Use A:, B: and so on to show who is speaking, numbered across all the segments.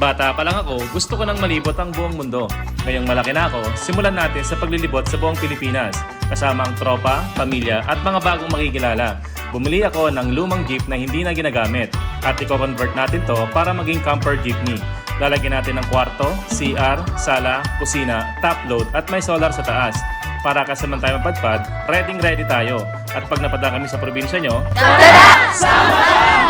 A: Bata pa lang ako, gusto ko nang malibot ang buong mundo. Ngayong malaki na ako, simulan natin sa paglilibot sa buong Pilipinas, kasama ang tropa, pamilya at mga bagong makikilala. Bumili ako ng lumang jeep na hindi na ginagamit at i-convert natin to para maging camper jeepney. Lalagyan natin ng kwarto, CR, sala, kusina, top load at may solar sa taas. Para kasaman tayo mapadpad, ready tayo. At pag napadaan kami sa probinsya nyo,
B: Tara! Sama!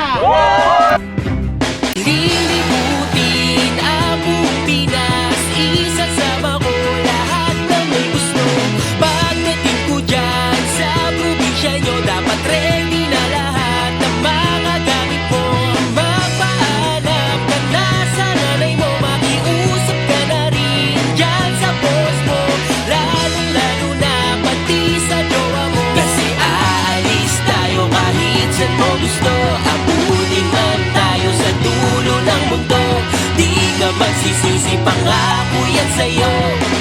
C: Lilibutin ang buong Pinas, isasama ko lahat ng may gusto. Pagdating ko dyan sa probinsya nyo, dapat ready na lahat ng mga gamit mo. Magpaalam ka na sa nanay mo, makiusap ka na rin dyan sa boss mo, lalong-lalo na pati sa jowa mo. Kasi aalis tayo kahit saan mo gusto, abutin man tayo sa dulo ng mundo. Di ka magsisisi, pangako yan sa'yo.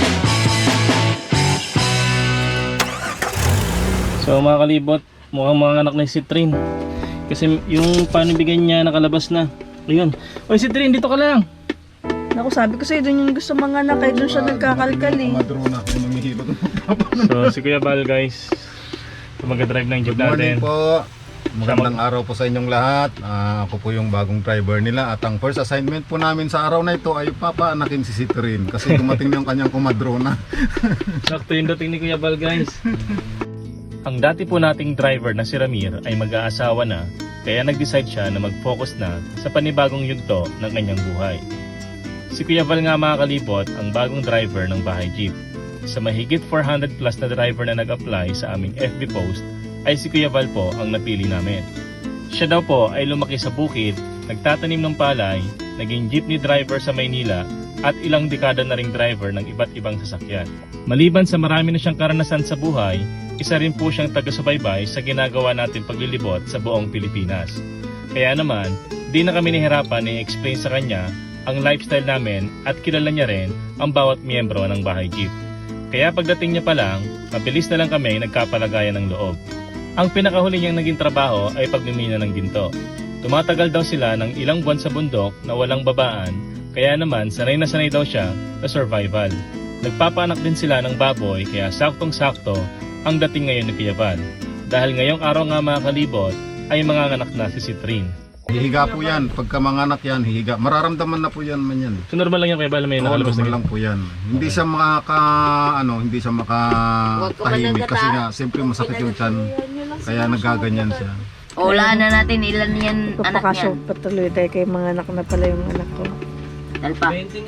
A: So mga kalibot, mukhang mga anak na si Trin. Kasi yung panibigan niya nakalabas na. Ayun. Oy si Trin, dito ka lang.
B: Naku, sabi ko sa'yo, doon yung gusto mga anak, kaya doon siya nagkakalkal eh.
D: Madrona, yung namihilot.
A: So si Kuya Bal guys, mag-drive ng jeep
D: Good morning
A: natin.
D: po. Magandang araw po sa inyong lahat. Ako po yung bagong driver nila. At ang first assignment po namin sa araw na ito ay papaanakin si Citrin. Kasi dumating yung kanyang kumadrona.
A: Sakto yung dating ni Kuya Bal guys. Ang dati po nating driver na si Ramir ay mag-aasawa na, kaya nag-decide siya na mag-focus na sa panibagong yugto ng kanyang buhay. Si Kuya Val nga mga kalibot ang bagong driver ng bahay jeep. Sa mahigit 400 plus na driver na nag-apply sa aming FB post, ay si Kuya Val po ang napili namin. Siya daw po ay lumaki sa bukid, nagtatanim ng palay, naging jeepney driver sa Maynila at ilang dekada na ring driver ng iba't ibang sasakyan. Maliban sa marami na siyang karanasan sa buhay, isa rin po siyang taga-subaybay sa ginagawa natin paglilibot sa buong Pilipinas. Kaya naman, di na kami nahirapan i-explain sa kanya ang lifestyle namin at kilala niya rin ang bawat miyembro ng bahay jeep. Kaya pagdating niya pa lang, mabilis na lang kami nagkapalagayan ng loob. Ang pinakahuli niyang naging trabaho ay pagmimina ng ginto. Tumatagal daw sila ng ilang buwan sa bundok na walang babaan, kaya naman sanay na sanay daw siya sa survival. Nagpapaanak din sila ng baboy kaya saktong-sakto ang dating ngayon ni Kuya Val. Dahil ngayong araw nga mga kalibot ay mga anak na si Citrin.
D: Hihiga po yan. Pagka mga anak yan, hihiga. Mararamdaman na po yan man yan.
A: So normal lang yan Kuya Val, may nakalabas na
D: Normal lang po yan. Hindi siya hindi siya makatahimik. Kasi nga, siyempre masakit yung tiyan. Kaya nagaganyan siya.
E: Wala na natin ilan yan anak
B: Papakasyo,
E: niyan.
B: patuloy tayo kay mga anak na pala yung anak ko.
E: Dalpa.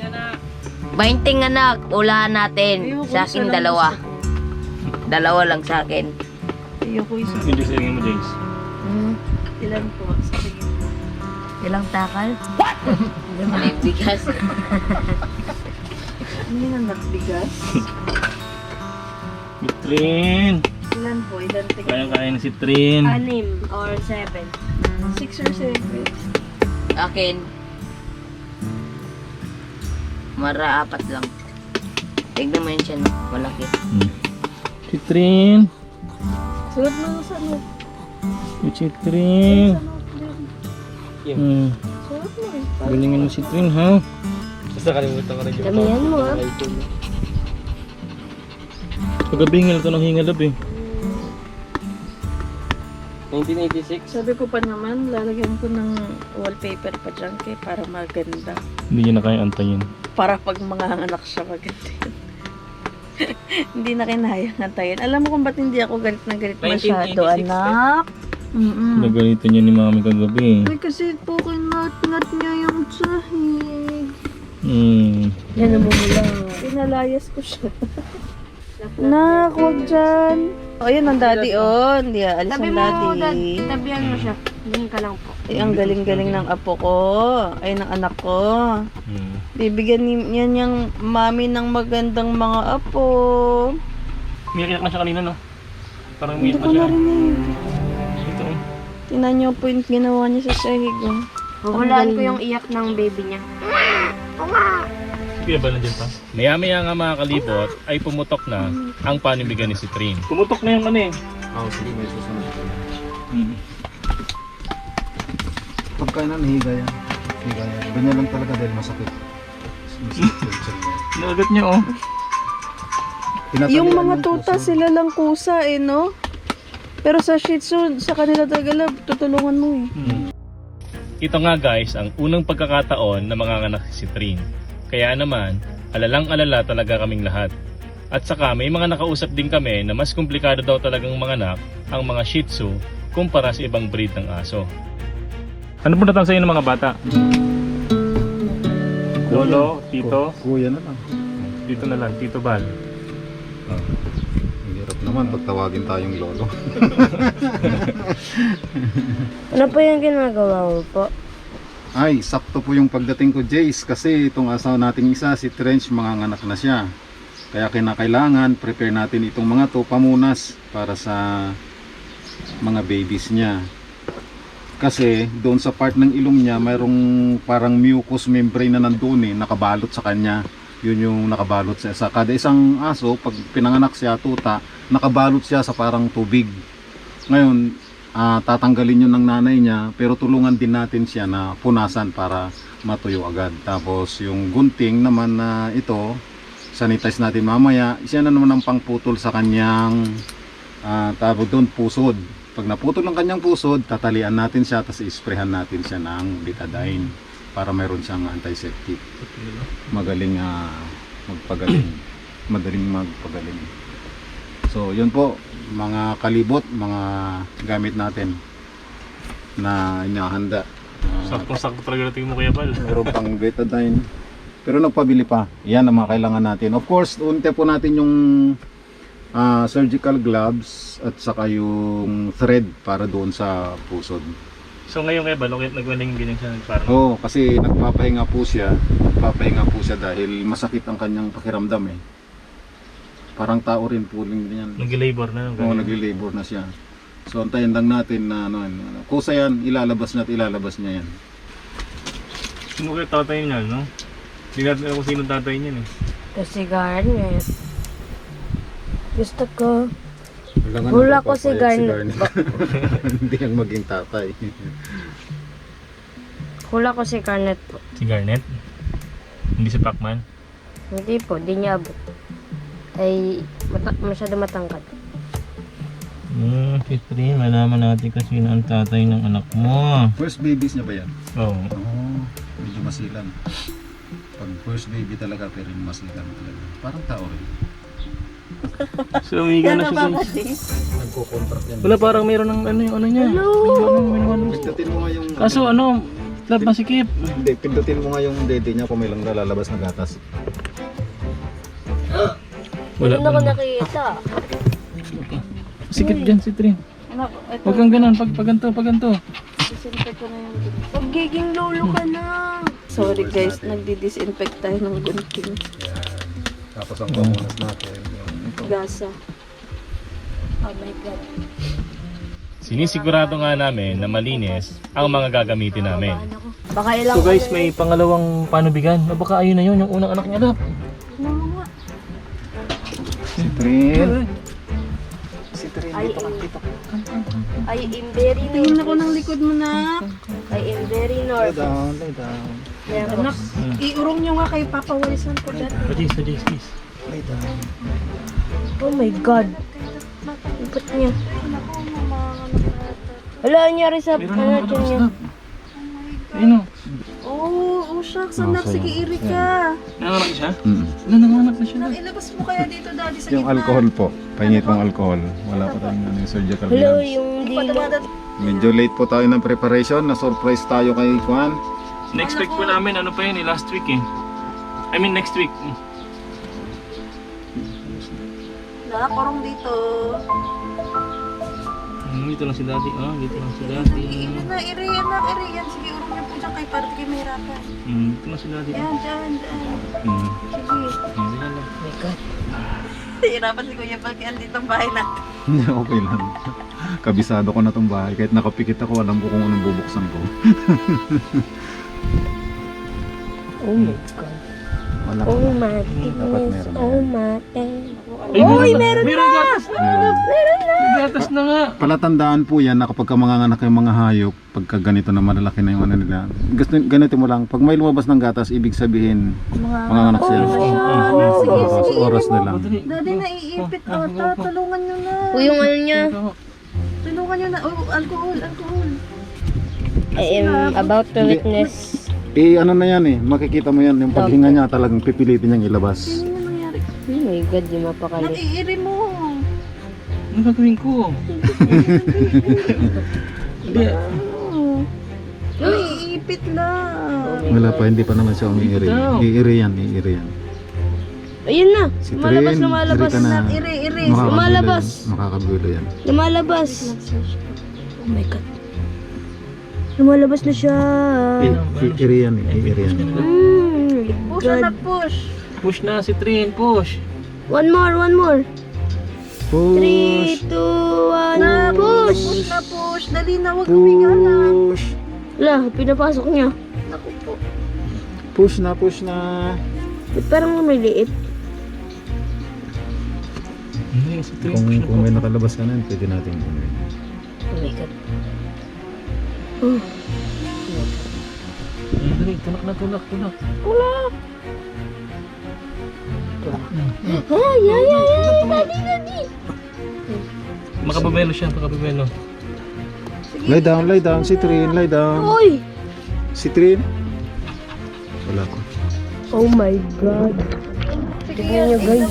E: 20 anak. Ulaan natin.
B: Ayoko,
E: Sa
B: isa
E: akin
B: lang
E: dalawa. Dalawa lang sa akin.
B: Ayoko isa.
A: Yung Diyos mo James.
B: Ilan po? Sa tingin mo?
E: Ilang takal? What? May bigas.
B: Hindi na nagbigas.
A: Citrin!
B: Ilan po? Ilan tingin?
A: Kayang-kaya na si Trin.
F: 6 or 7.
B: 6 or 7?
E: Akin. Mara 4 lang. Tignan mo yun siya, no? Malaki.
A: Si Trin!
B: Sulat mo sa note.
A: Si Trin!
B: Sulat mo eh.
A: Galingin mo si Trin ha?
F: Damihan mo ah.
A: Kagabi hingal ito ng hingalab eh.
C: 1986.
B: Sabi ko pa naman, lalagyan ko ng wallpaper pa dyan kay para maganda.
A: Hindi niya na kaya antayin.
B: Para pag mga anak siya maganda yun. Hindi na kinayang antayin. Alam mo kung ba't hindi ako galit na galit masyado,
C: 1986
B: anak?
A: Nagalitan niya ni mami kagabi eh.
B: Ay, kasi po kinat-ngat niya yung sahig.
F: Yan ang mumula.
B: Pinalayas ko siya. Nak, huwag dyan. O, yun ang daddy, oh. Hindi aalis
F: Tabi
B: ang
F: mo,
B: daddy.
F: tabihan mo siya. Tingin ka lang po.
B: Ay, ang galing-galing ng apo ko. Ay, ng anak ko. Bibigyan niya niyang mami ng magandang mga apo.
A: Umiyak na siya kanina no? Parang
B: Hindi
A: umiyak
B: ko
A: na siya.
B: narinig.
A: Ito oh.
B: Tingnan niyo po yung ginawa niya sa sahig, oh.
F: Huhulaan ko yung iyak ng baby niya.
A: Kuya ba nandiyan pa? Maya-maya nga mga kalibot ay pumutok na ang panimigan ni Citrin. Pumutok na yung ano eh.
D: Sige, may susunod. Pagka na nahiga yan. Ganyan lang talaga dahil masakit.
A: Nagat niya oh.
B: Yung mga tuta, sila lang kusa eh, no? Pero sa Shih Tzu, sa kanila talaga, tutulungan mo eh.
A: Ito nga guys, ang unang pagkakataon na manganganak si Trin. Kaya naman, alalang-alala talaga kaming lahat. At saka may mga nakausap din kami na mas komplikado daw talagang manganak ang mga Shih Tzu kumpara sa ibang breed ng aso. Ano po natang sa inyo ng mga bata? Lolo, Tito,
D: Kuya na lang.
A: dito na lang, Tito Bal.
D: Ang hirap naman pag tawagin tayong lolo.
F: Ano po yung ginagawa mo po?
D: Ay, sakto po yung pagdating ko, Jace, kasi itong asawa nating isa, si Trench, manganganak na siya. Kaya kinakailangan, prepare natin itong mga to pamunas para sa mga babies niya. Kasi doon sa part ng ilong niya, mayroong parang mucous membrane na nandun nakabalot sa kanya. Yun yung nakabalot siya. Sa kada isang aso, pag pinanganak siya, tuta, nakabalot siya sa parang tubig. Ngayon, tatanggalin yun ng nanay niya, pero tulungan din natin siya na punasan para matuyo agad. Tapos yung gunting naman na ito, sanitize natin mamaya. Siya na naman ang pangputol sa kanyang tawag doon, pusod. Pag naputol ang kanyang pusod, tatalian natin siya, tapos isprehan natin siya ng betadine para mayroon siyang antiseptic. Magaling magpagaling. Madaling magpagaling. So, yun po, mga kalibot, mga gamit natin na inahanda.
A: Saktong-sakto talaga natin mo Kuya Bal.
D: Meron pang betadine. Pero nagpabili pa. Yan ang mga kailangan natin. Of course, unti po natin yung surgical gloves at saka yung thread para doon sa pusod.
A: So ngayon Kuya Bal, nagwaling ganyan siya parang.
D: Oo, kasi nagpapahinga po siya. Nagpapahinga po siya dahil masakit ang kanyang pakiramdam eh. Parang tao rin po rin yan.
A: Nag-labor na.
D: Oo, nagli-labor na siya. So antayin lang natin na kusa yan, ilalabas niya yan.
A: Sino kaya tatay niya, no? Hindi natin alam kung sino tatay niya eh.
F: Kasi Garnet. Gusto ko.
D: Kailangan
F: Hula
D: na
F: ko si Garnet.
D: Hindi ang maging tatay.
F: Hula ko si Garnet po.
A: Si Garnet? Hindi si Pacman?
F: Hindi po, di niya abot. Ay, masyado matangkad.
A: Si Trin, malaman natin kasi sino ang tatay ng anak mo.
D: First babies niya ba yan?
A: Oo.
D: Oo, medyo masilan. Pag first baby talaga, pero yung masilan talaga. Parang tao rin.
A: So umiga na siya guys.
D: Nagko-contract yan.
A: Wala parang mayroon ng ano yung ano niya. Hello!
D: Pindutin mo nga yung...
A: Kaso ano, lab masikip.
D: Hindi, pindutin mo nga yung dede niya kung may lang nalalabas na gatas.
A: Wala
F: Hindi na ko nakita.
A: Sikip dyan si Trin.
B: Anak, ito,
A: Huwag kang ganun, pag ganito.
B: disinfect ko na yung
F: Pagiging lolo ka na.
B: Sorry guys, nagdi-disinfect tayo ng gunting.
D: Yan. Tapos ang pamunas natin.
B: Gasa.
F: Oh my God.
A: Sinisigurado nga namin na malinis ang mga gagamitin namin.
F: Baka ilang
A: So guys, may pangalawang panubigan. O baka ayun na yun, yung unang anak niya lab.
D: Si Trin.
F: I am very
B: Tingin ako ng likod mo na.
F: I am very
D: Lay
F: nervous.
D: down, lay down.
B: Anak, iurong nyo nga kay Papa Walisan ko dyan.
A: Sajay, please.
D: Lay down.
F: Oh my God. Ipot niya. Wala nangyari sa
A: Meron naman
F: ano niya.
A: lab. Ayun o.
B: Oh shucks, anak, sige iri ka.
A: Nanganak siya?
D: Mm.
A: Nanganak na siya lab.
B: Ilabas mo kaya dito daddy sa
D: Yung alcohol po. Pahingit mong alcohol. Wala pa tayong yung surgical
F: Hello,
D: gloves.
F: yung dilo.
D: Medyo late po tayo ng preparation. Na-surprise tayo kay Juan.
A: Na-expect po namin, ano pa yun eh, last week eh. I mean next week.
B: Nakakurong dito.
A: Dito lang si daddy. Dito lang si daddy.
B: Iri na, iri yan. Sige, urong nyo po dyan kay para di kayo mahirapan.
A: Dito lang si daddy.
B: Yan, dyan. Sige.
A: Hindi na lang.
B: Hirapan si Kuya Pag yan dito ang bahay natin.
D: Okay lang. Kabisado ko na tong bahay. Kahit nakapikit ako, alam ko kung anong bubuksan ko.
F: Oh my God.
D: Anak
F: Oh
D: mo.
F: my
D: Dapat
F: goodness.
D: meron
F: Oh
D: yan.
F: my God.
A: Ay, meron gatas! May gatas na nga!
D: Palatandaan po yan na kapag manganganak yung mga hayop, pagka ganito na malalaki na yung ano nila. Ganito mo lang, pag may lumabas ng gatas, ibig sabihin manganganak sila. Oras na lang.
B: Daddy, naiipit ata. Tulungan nyo na.
F: O yung ano niya,
B: Tulungan nyo na. Oh, alcohol.
F: I am about to witness.
D: Ano na yan makikita mo yan, yung paghinga niya talagang pipilitin niyang ilabas.
B: Ano nangyari?
F: Oh my God, di mapakali.
B: Naiiri mo.
A: Ano gagawin ko? Hindi.
B: Naiipit lang.
D: Wala pa, hindi pa naman siya umiiri. Iiri yan.
F: Ayun na,
D: Si
F: lumalabas,
D: Trin,
F: lumalabas.
D: iri ka na.
B: Iri.
F: Lumalabas.
D: Makakagulo yan.
F: Lumalabas. Oh my God. Lumalabas na siya.
D: Iiri yan.
B: Push na push.
A: Push na si Trin, push!
F: One more. 3,
D: Push!
F: 2, 1, push!
B: Push na push. Dali na, huwag humiga lang.
D: Push!
F: Wala, pinapasok niya.
B: Naku po.
D: Push na!
F: Ba't parang may liit?
A: Hindi, si Trin.
D: Kung may nakalabas ka na, pwede natin gawin.
F: Oh my God.
A: Dali, tulak.
F: Daddy.
A: Makababelo siya.
D: Lie down, si Trin, lie down.
F: Uy!
D: Si Trin. Wala ko.
F: Oh my God. Tignan nyo guys.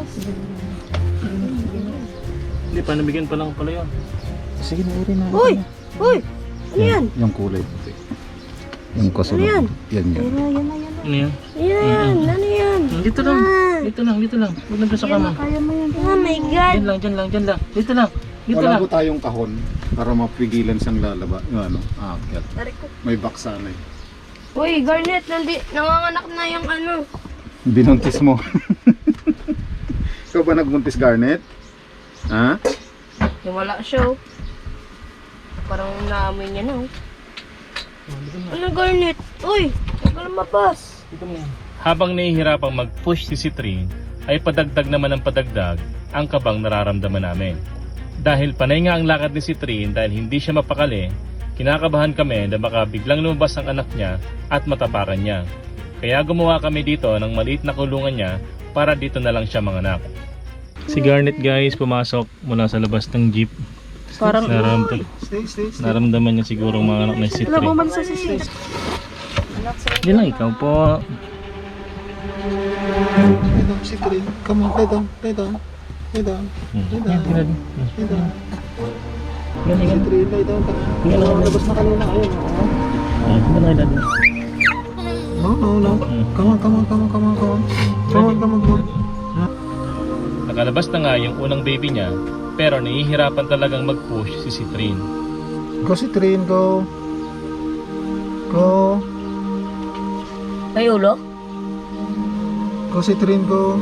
A: Hindi, panabigyan pa lang pala yun.
D: Sige na, iri na.
F: Uy! Ano yan?
D: Yung kulay puti. Yung kasunod.
F: Ano yan?
D: Yan.
A: Ano yan?
F: Yan, ano yan?
A: Dito lang. Huwag na doon sa kama.
B: Kaya mo yan.
F: Oh my God.
A: Diyan lang. Dito lang.
D: Wala po tayong kahon para mapigilan siyang lalaba. Yung aakyat. May baksa na
F: Uy, Garnet, nanganganak na yung ano.
D: Binuntis mo. Ikaw ba nagbuntis, Garnet? Ha?
F: Yung wala siya oh. Parang naamoy niya na oh. Ano Garnet? Uy, huwag ka lumabas.
A: Habang nahihirapang mag-push si Trin, ay padagdag naman ng padagdag ang kabang nararamdaman namin. Dahil panay nga ang lakad ni si Trin dahil hindi siya mapakali, kinakabahan kami na baka biglang lumabas ang anak niya at matapakan niya. Kaya gumawa kami dito ng maliit na kulungan niya para dito na lang siya manganak. Si Garnet guys pumasok mula sa labas ng jeep.
B: Parang
A: Naramdaman niya siguro mga anak na si
B: Wala,
A: Trin.
B: bumalis sa sisi.
A: Hindi lang, ikaw po.
D: Si Trin. Come on, lay down. Lay down. Labas na kanina. Ayun. No. Come on.
A: Nakalabas na nga yung unang baby niya, pero nahihirapan talagang mag-push si Trin.
D: Go si Trin, go.
F: May ulo?
D: Go si Trin, go.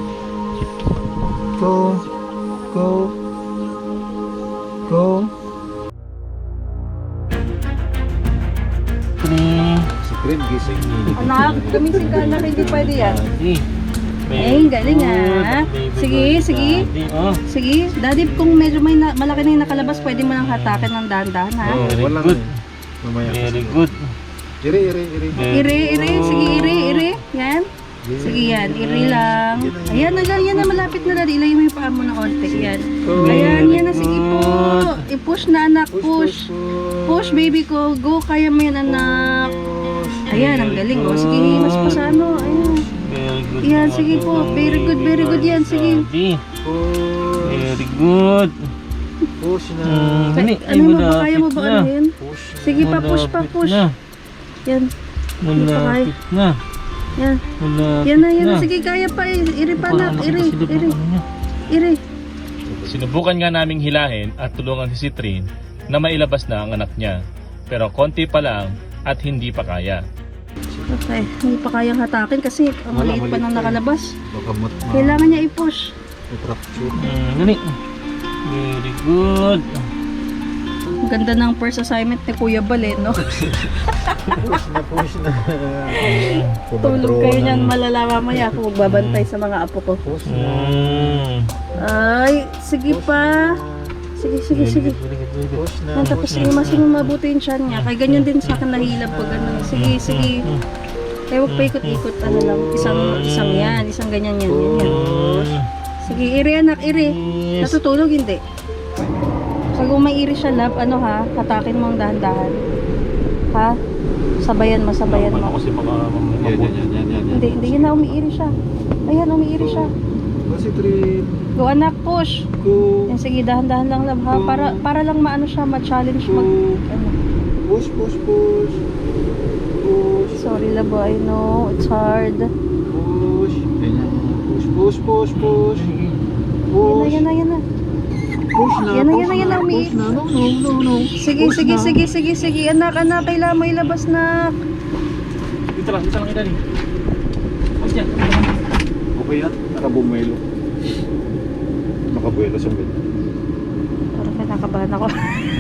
D: Si Trin, gising.
B: Anak, gumising ka na hindi pwede yan.
A: Ay,
B: galing ah. Sige.
A: Oh,
B: Sige, daddy, kung medyo malaki na yung nakalabas, pwede mo nang hatakin ng dahan-dahan ha.
A: very
D: Wala
A: good.
D: Mamaya.
A: Very good.
D: Iri.
B: Iri. Sige, iri. Yan. Sige yan, iri lang. Ayan na, malapit na daddy. Ilayin mo yung paa mo ng konti. Yan. Ayan, yan na. Sige po. I-push na anak, push. Push baby ko. Go, kaya mo yan anak. Ayan, ang galing. O, sige, himas pa sa ano. Ayan.
A: Very good.
B: Yan, sige po. Very good yan. Sige.
A: Very good.
D: Push na.
A: Dali, ay
B: Ano mo ba? Kaya mo
A: malapit
B: ba
A: na.
B: ano yun? Sige pa, push pa,
A: Malapit
B: push.
A: na.
B: Yan.
A: Malapit na.
B: Yan.
A: Malapit
B: Yan na. Sige, kaya pa. Iri pa anak. Iri.
A: Sinubukan nga naming hilahin at tulungan si Trin na mailabas na ang anak niya. Pero konti pa lang at hindi pa kaya.
B: Okay, hindi pa kayang hatakin kasi ang maliit pa nang nakalabas.
D: Baka
B: Kailangan niya i-push.
D: fracture.
A: Dali. Very good.
B: Ang ganda ng first assignment ni Kuya Bal eh, no?
D: Push na.
B: Tulog kayo niyan malala mamaya kung magbabantay sa mga apo ko. Ay, sige pa. Sige.
D: Push na.
B: Yan, tapos imasin mo mabuti yung tiyan niya. Kaya ganyan din sa akin nahilap pag ano. Sige. Kaya huwag pa ikot-ikot, ano lang. Isang yan, isang ganyan yan. Sige, iri anak, iri. Natutulog, hindi. So kung may iri siya, love, ano ha, hatakin mo ang dahan-dahan. Ha? Sabayan mo.
A: Kasi baka
D: Yan.
B: Hindi, yun na, umiiri siya. Ayan, umiiri siya.
D: Kasi Trin.
B: Go anak, push.
D: Go.
B: Yan, sige, dahan-dahan lang love ha. Para lang maano siya, ma-challenge mag... Ano.
D: Push.
B: Sorry love, I know, it's hard.
D: Push. Push.
B: Yan na.
D: Push na.
B: Yan na, umiiri.
D: No.
B: Sige, anak, kailangan mo ilabas na.
A: Dito lang kita rin. Huwag dyan.
D: Okay yan. Nakabuelo. Nakabuelo sa bed.
B: Parang kinakabahan ako.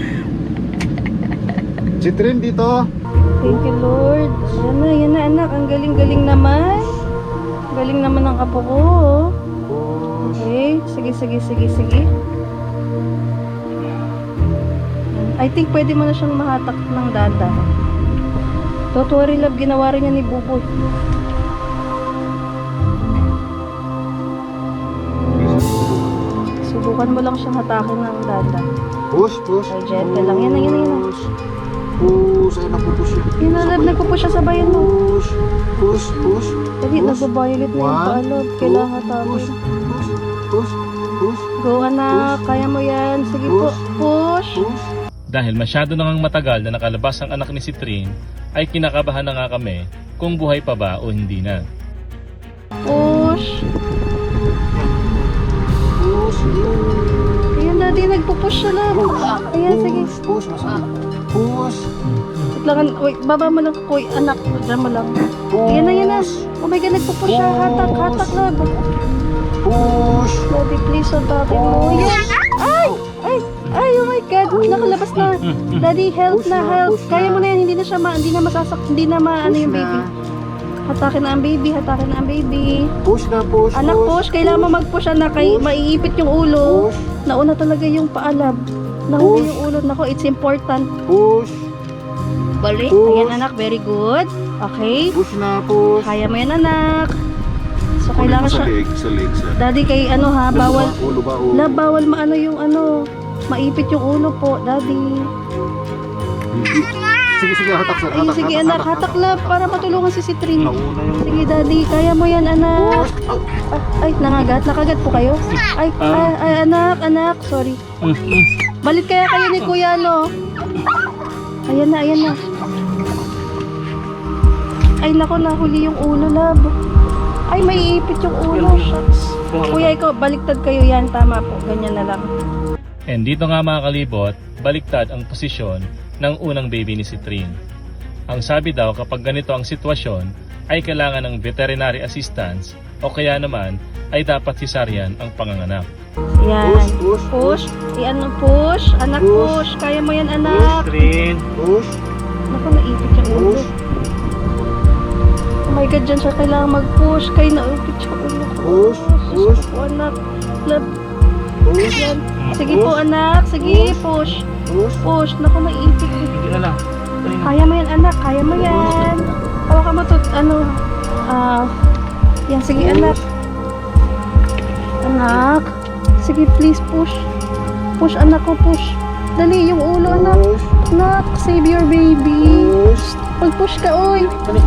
D: Si Trin dito.
B: Thank you Lord. Yan na anak, ang galing-galing naman. Galing naman ng apo ko. Okay, sige. I think pwede mo na siyang mahatak ng dada. Don't worry love, ginawa rin niya ni Buboy. Subukan mo lang siyang hatakin ng dada.
D: Push.
B: Ay, gentle lang. Yan na.
D: Push. Ay, napupush yun.
B: Yun na love, nagpupush siya sa bayan mo.
D: Push.
B: Dali, nagbabayolate na yung paalab. Kailangan hatakin.
D: Push.
B: Go anak, kaya mo yan. Sige po, push.
A: Dahil masyado nang matagal na nakalabas ang anak ni si Trin, ay kinakabahan na nga kami kung buhay pa ba o hindi na.
B: Push. Ayan daddy, nagpupush siya lang. Ayan, sige.
D: Push.
B: Wait lang, wait, baba mo lang kuy, anak. Diyan mo lang. Ayan na. Oh my God, nagpupush siya. Hatak lang.
D: Push.
B: Daddy, please, hatakin mo. Ayan. Ay, oh my God, nakalabas na. Daddy, help. Kaya mo na yan, hindi na masasak, hindi na maano yung baby. Hatakin na ang baby.
D: Push.
B: Anak, push. Kailangan mo mag-push, anak. Maiipit yung ulo. Nauna talaga yung paalab. Nahuli yung ulo. Nako, it's important.
D: Push.
B: Balik.
D: Push.
B: Ayan, anak. Very good. Okay.
D: Push.
B: Kaya mo yan, anak. So, kailangan siya.
D: Sa legs.
B: Daddy, kay ano ha, bawal.
D: Ulo ba?
B: Lab, bawal maano yung ano. Maipit yung ulo po, daddy.
D: Sige, hatak sir.
B: Ay, sige, anak. Hatak, lab. Para matulungan si Trin.
D: Nauna yung...
B: Sige, daddy. Kaya mo yan, anak. Ay, nakagat po kayo? Ay, anak. Sorry. Balit kaya kayo ni Kuya, no? Ayan na. Ay, nako, nahuli yung ulo, lab. Ay, may ipit yung ulo. Shucks. Kuya, ikaw, baliktad kayo yan. Tama po. Ganyan na lang.
A: And dito nga mga kalibot, baliktad ang posisyon ng unang baby ni si Trin. Ang sabi daw kapag ganito ang sitwasyon ay kailangan ng veterinary assistance o kaya naman ay dapat cesarean ang panganganak.
B: Yan.
D: Push.
B: Push. Push. Anak, push. Kaya mo yan, anak.
A: Trin!
D: Push.
B: Naku, naipit yung ulo. Oh my God, dyan siya kailangan mag-push. Kaya naipit yung ulo ko.
D: Push.
B: Po, anak. Lab. Yan. Sige po, anak. Sige, push. Push. Naku, naipit.
A: Hindi na lang.
B: Kaya mo yan, anak. Kaya mo yan. Hawakan mo to, yan, sige, anak. Anak. Sige, please, push. Push, anak ko, push. Dali, yung ulo, anak. Anak, save your baby. Pag-push ka, oy.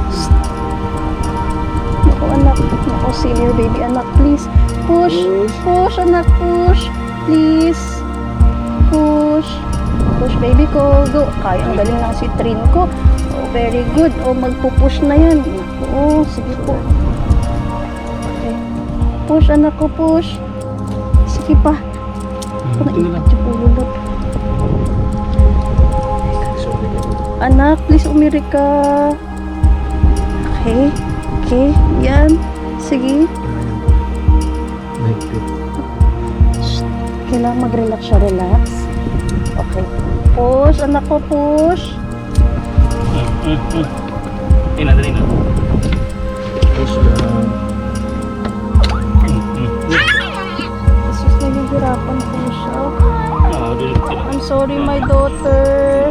B: Naku, anak. Naku, save your baby, anak, please. Push. Push, anak, push. Please. Push. Push, baby ko. Go. Kaya, ang galing lang si Trin ko. Oh, very good. Oh, magpupush na yan. Oh, sige po. Okay. Push, anak ko, push. Sige pa. Ako naipit yung ulo. Anak, please umiri ka. Okay. Yan. Sige. Shh. Kailangan mag-relax siya. Relax. Okay. Push, anak ko, push.
A: Dali na.
B: Jesus, nahihirapan ko siya.
A: Dulog sila.
B: I'm sorry, my daughter.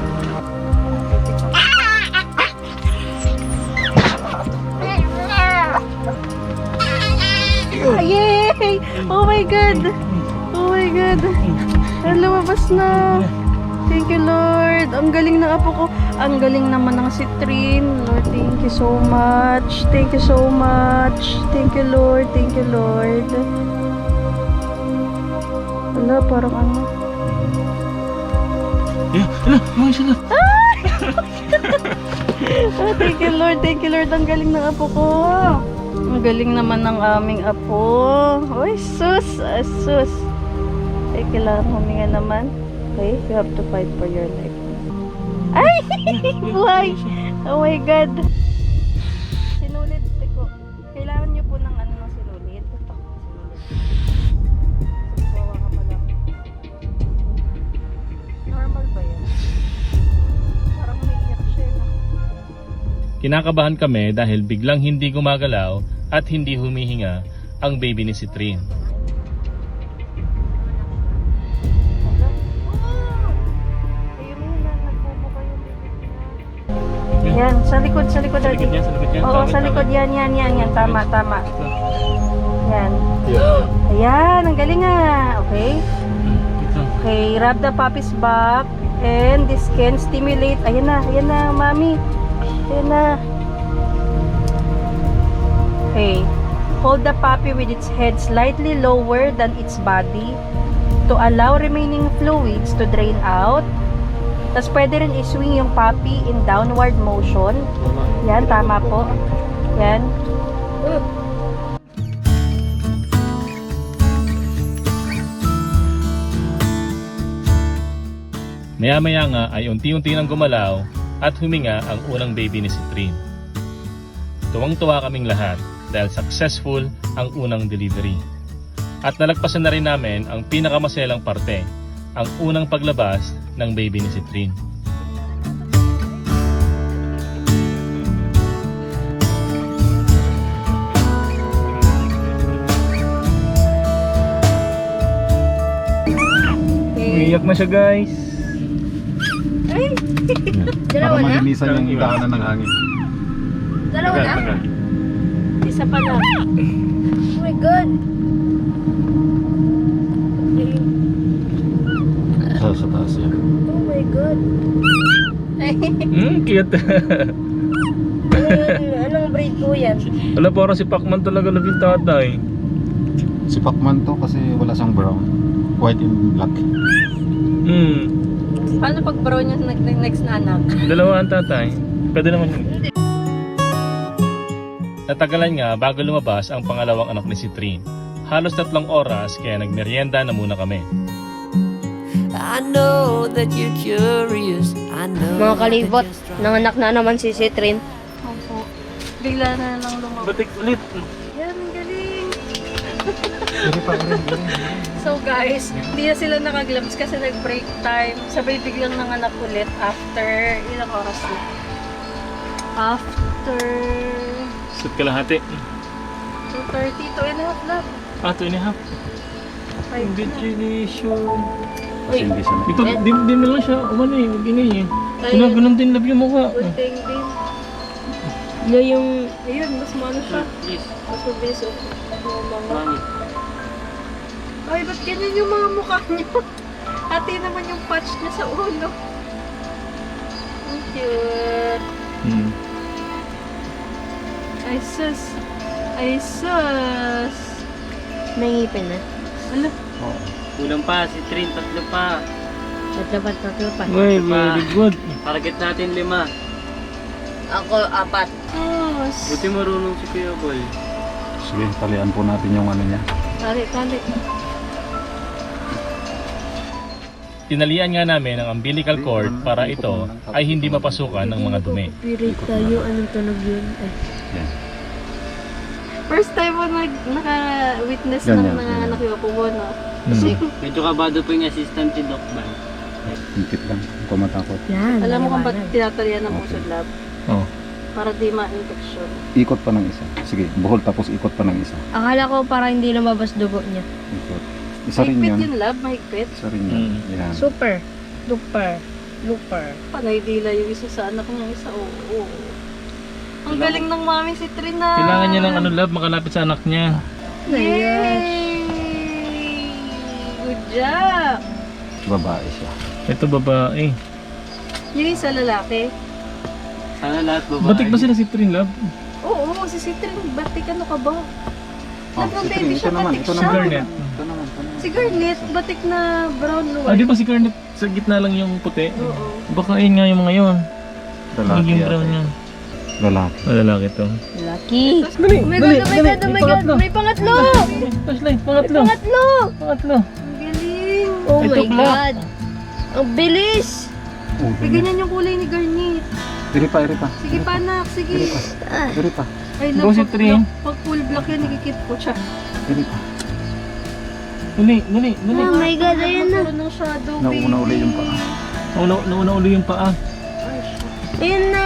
B: Yay! Oh my God! Oh my God! Ay, lumabas na. Thank you, Lord. Ang galing ng apo ko. Ang galing naman ng si Trin. Lord, thank you so much. Thank you so much. Thank you, Lord. Thank you, Lord. Wala, parang ano.
A: Mga siya na.
B: Oh, thank you, Lord. Thank you, Lord. Ang galing ng apo ko. Ang galing naman ng aming apo. Uy, sus. Sus. Ay, kailangan huminga naman. Okay, you have to fight for your life. Ay! Buhay! Oh my God! Sinulid ko. Kailangan nyo po ng ano ng sinulid. Ito, sinulid. Kawawa ka pala. Normal ba yan? Parang may iyak siya, no?
A: Kinakabahan kami dahil biglang hindi gumagalaw at hindi humihinga ang baby ni Citrin.
B: Yan, sa likod, daddy.
A: Sa likod niya.
B: Oo, sa likod, yan. Tama. Yan. Ayan, ang galing nga. Okay. Okay, rub the puppy's back. And this can stimulate. Ayan na, mami. Ayan na. Okay. Hold the puppy with its head slightly lower than its body to allow remaining fluids to drain out. Tapos pwede rin i-swing yung puppy in downward motion. Yan, tama po. Yan.
A: Maya-maya nga ay unti-unti nang gumalaw at huminga ang unang baby ni Citrin. Tuwang-tuwa kaming lahat dahil successful ang unang delivery. At nalagpasan na rin namin ang pinakamaselang parte, ang unang paglabas ng baby ni Citrin. Umiyak na siya, guys.
E: Dalawa
D: Para
E: na?
D: malinisan yung daanan ng hangin.
E: Dalawa na?
B: Isa pa lang.
E: Oh my God!
D: Sa taas yan.
E: Oh my God!
A: Cute.
E: Anong breed po yan?
A: Wala, parang si Pacman talaga naging tatay.
D: Si Pacman to kasi wala siyang brown. White and black.
B: Paano pag brown yung next na anak?
A: Dalawa ang tatay. Pwede naman yun. Natagalan nga bago lumabas ang pangalawang anak ni Citrin. Halos 3 oras kaya nagmeryenda na muna kami.
C: I know that you're curious. I know.
F: Mga kalibot, nanganak na naman si Citrin.
B: Opo. Bigla na lang lumabas.
A: Batik ulit.
B: Yan, ang galing. So guys, hindi na sila nakaglabs kasi nag-break time. Sabay biglang nanganak ulit after ilang oras na? After
A: Sut kalahati.
B: 2:30, 2.5 lang.
A: 2.5.
B: 5 na.
A: Congratulations.
D: Kasi hindi siya
A: Ito, di na lang siya umano eh. Mag-ingay eh.
B: Ay.
A: Ganun din love yung mukha.
B: Gunting din.
F: Na yung
B: Ayun, mas maano siya. Mas mabilis yung mga. Ay, ba't ganyan yung mga mukha niyo? Ate naman yung patch niya sa ulo. Ang cute. Ay, sus. Ay, sus.
F: may ngipin na.
B: Ala,
G: Kulang pa, si Trin, 3 pa.
F: Tatlo pa.
A: Well, very good.
G: Target natin 5.
E: Ako, 4.
B: sus.
G: Buti marunong si Kuya Boy.
D: Sige, talian po natin yung ano niya.
B: Tali.
A: Tinalian nga namin ang umbilical cord para ito ay hindi mapasukan ng mga dumi.
F: Copyright tayo. Anong tunog yun? Ay.
D: Yan.
B: First time mo naka-witness
D: Ganyan,
B: ng nanganak yung kubo, no?
G: Medyo kabado po yung assistant si Doc Ban.
D: Higpit lang, kung matakot.
E: Yan.
B: Alam mo kung ba't tinatalian ng puso, love?
A: Oh.
B: Para di ma-infection.
D: Ikot pa ng isa. Sige, buhol tapos ikot pa ng isa.
F: Akala ko para hindi lumabas dugo niya.
D: Ikot. Isa rin
B: Mahigpit
D: yun.
B: yun, love. Mahigpit.
D: Isa rin yun. Yan.
F: Super. Duper. Duper.
B: Panay dila yung isa sa anak niya, isa. Oo. Ang galing ng mami si Trina.
A: Kailangan niya ng ano, love, makalapit sa anak niya.
B: Yay! Good job!
D: Babae siya.
A: Ito babae.
B: Yung isa lalaki.
G: Sana lahat babae.
A: Batik ba sila si Trin, love?
B: Oo, si Citrin, batik ano ka ba?
D: Oh,
B: Nagpang
D: si
B: baby
D: Trin,
B: siya,
D: ito naman.
B: batik
D: Ito
B: siya.
D: naman.
A: Garnet.
D: Ito naman.
B: Si Garnet, batik na brown
A: Ah, di
B: white.
A: ba si Garnet sa gitna lang yung puti?
B: Oo.
A: Baka ayun nga yung mga yun.
D: Lalaki
A: Yung
D: yata.
A: brown yun.
D: Lalaki.
A: Lalaki to.
F: Lucky.
A: Dali,
F: Oh my God, oh my God, oh my God. May pangatlo.
A: Flashlight, pangatlo.
F: Pangatlo.
A: Pangatlo.
B: Ang galing.
F: Oh
A: Ito,
F: my
A: Clark.
F: God. Ang bilis.
D: Oh,
B: Eh, ganyan yung kulay ni Garnet.
D: Iri pa.
B: Sige pa, anak. Sige.
D: Iri pa.
B: Ay,
A: Go si Trin.
B: Pag full black yan, ikikip ko siya.
D: Iri pa.
A: Dali.
F: Oh my God, ayan na.
B: Ano ng shadow,
D: Nauna uli yung paa.
A: Nauna uli yung paa.
F: Ayan na.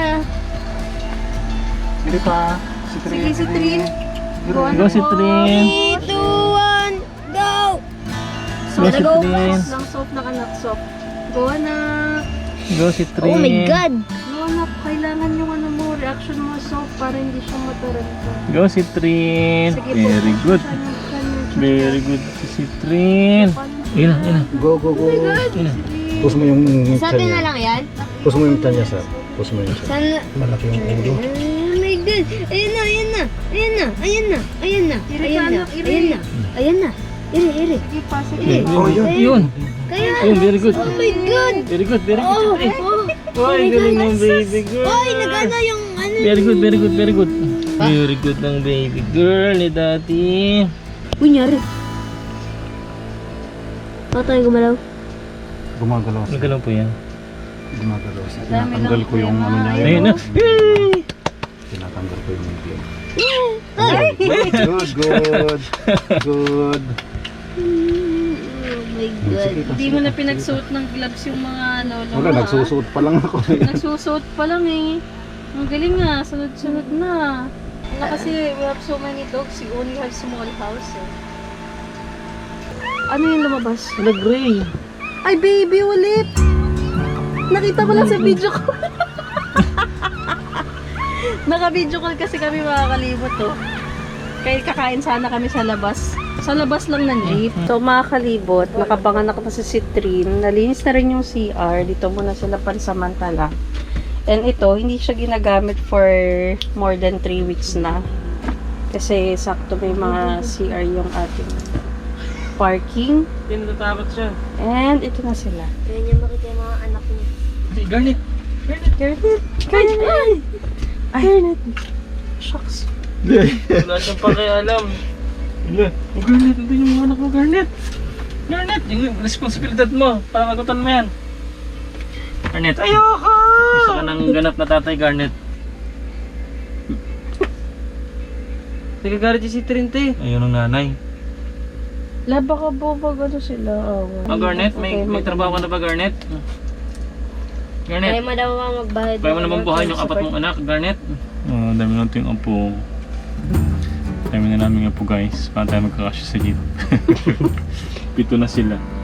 D: Iri pa. Si Trin.
B: Sige, si Trin. Go,
A: Go
B: anak
A: si
B: ko.
A: Trin.
F: 3, 2, 1, go.
A: Go si Trin.
B: Lang soft na anak, soft. Go, anak.
A: Go si Trin.
F: Oh my God.
B: Go, anak. Kailangan yung ano mo, reaction mo soft para hindi siya mataranta.
A: Go si Trin.
B: Sige,
A: Very
B: po.
A: good.
B: Siya yung- siya yung-
A: Very good si Trin. Ayun na.
D: Go.
A: Ayun na.
D: Push mo yung
F: Sa atin na lang yan?
D: Push mo yung tiyan niya, sir. Push mo yung tiyan.
F: Sana.
D: Malaki yung ulo.
F: Oh my God. Ayan na. Ayan na. Ayan na. Ayan na. Ayan na.
B: Iri ka,
F: Ayan na.
B: anak, iri.
F: Ayan na. Ayan na. Iri.
B: Sige pa, sige.
A: Oh, yun.
F: Kaya.
A: Ayun, very good.
F: Oh my God.
A: Very good si
F: Oh.
A: Trin.
F: Oh.
A: Ay, galing ng baby girl.
F: Oy, nagano yung ano.
A: Very good. Very good ng baby girl ni Daddy.
F: Kunyari. Patay gumalaw.
D: Gumagalaw siya.
A: Nagalaw po yan.
D: Gumagalaw siya.
B: Dami
D: Tinatanggal
B: lang
D: ko yung ano niya.
A: Ayun na.
D: Tinatanggal ko yung ngipin. Good.
F: Oh my God.
B: Hindi mo na pinagsuot ng gloves yung mga ano.
D: Wala, nagsusuot pa lang ako.
B: Nagsusuot pa lang eh. Ang galing nga, sunod-sunod na. Ano kasi, we have so many dogs, we only have small house eh. Ano yung lumabas?
A: Wala gray.
B: Ay, baby, ulit! Nakita ko lang sa video ko. Naka-video call kasi kami mga kalibot to. Kaya kakain sana kami sa labas. Sa labas lang ng jeep. So mga kalibot, nakapanganak na si Citrin. Nalinis na rin yung CR. Dito muna sila pansamantala. And ito, hindi siya ginagamit for more than 3 weeks na. Kasi sakto may mga CR yung ating parking.
G: Hindi natatakot siya.
B: And ito na sila.
F: Kaya niya makita yung mga anak niya.
A: Si Garnet.
B: Garnet! Garnet! Ay, Garnet! Shucks.
G: Wala siyang pakialam.
A: Wala. Oh, Garnet, ito yung mga anak mo, Garnet. Garnet, yung responsibilidad mo. Pangagutan mo yan. Garnet. Ayoko! Isa ka ng ganap na tatay, Garnet.
G: Sige, garit si Trinte.
A: Ayun ang nanay.
B: Laba ka po pag ano sila.
A: Garnet, may trabaho ka na ba, Garnet?
F: Kaya
A: Garnet,
F: mo daw mga magbayad.
A: kaya mo na bang buhayin yung apat mong anak, Garnet? Oo, dami natin yung apo. Dami na namin yung apo, guys. Paano tayo magkakasya sa jeep? 7 na sila.